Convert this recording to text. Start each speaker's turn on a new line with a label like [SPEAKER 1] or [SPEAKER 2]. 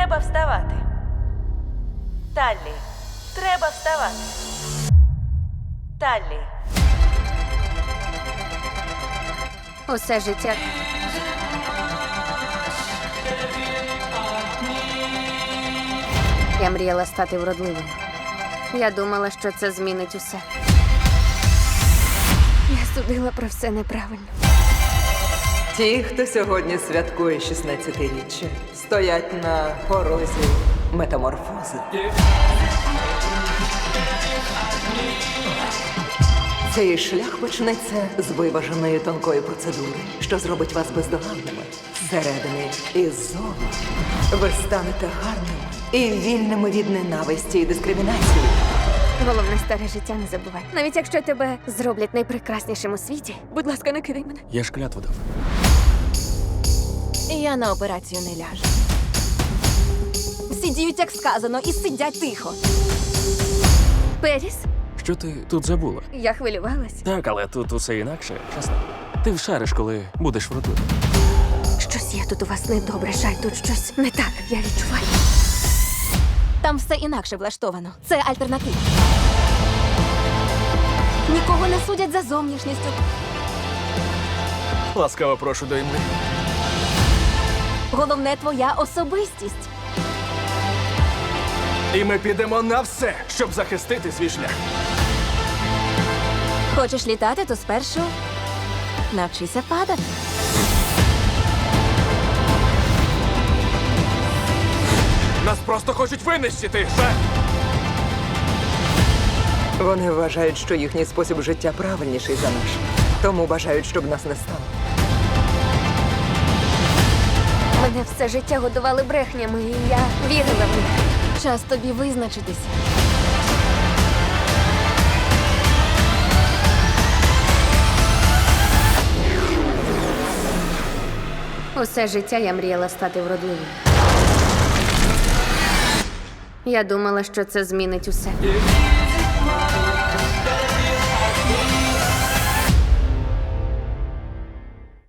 [SPEAKER 1] треба вставати. Таллі, треба вставати. Таллі.
[SPEAKER 2] Усе життя. Я мріяла стати вродливою. Я думала, що це змінить усе. Я судила про все неправильно.
[SPEAKER 3] Ті, хто сьогодні святкує 16-річчя, стоять на порозі метаморфози. Цей шлях почнеться з виваженої тонкої процедури, що зробить вас бездоганними. Зсередини і ззовні ви станете гарними і вільними від ненависті і дискримінації.
[SPEAKER 2] Головне, старе життя не забувай. Навіть якщо тебе зроблять найпрекраснішим у світі, будь ласка, не кидай мене.
[SPEAKER 4] Я ж клятву дав.
[SPEAKER 5] Я на операцію не ляжу. Всі діють, як сказано, і сидять тихо.
[SPEAKER 2] Періс,
[SPEAKER 4] Що ти тут забула?
[SPEAKER 2] я хвилювалась.
[SPEAKER 4] Так, але тут усе інакше, чесно. Ти вшариш, коли будеш вродливим.
[SPEAKER 2] Щось є тут у вас недобре, Шай, тут щось не так, я відчуваю.
[SPEAKER 5] Там все інакше влаштовано. Це альтернатива. Нікого не судять за зовнішністю.
[SPEAKER 4] Ласкаво прошу до імли.
[SPEAKER 5] Головне твоя особистість.
[SPEAKER 4] І ми підемо на все, щоб захистити свій шлях.
[SPEAKER 5] Хочеш літати, то спершу навчися падати.
[SPEAKER 4] Нас просто хочуть винищити.
[SPEAKER 3] Вони вважають, що їхній спосіб життя правильніший за наш. Тому бажають, щоб нас не стало.
[SPEAKER 2] Мене все життя годували брехнями, і я вірила в них.
[SPEAKER 5] Час тобі визначитися.
[SPEAKER 2] Усе життя я мріяла стати вродливою. Я думала, що це змінить усе.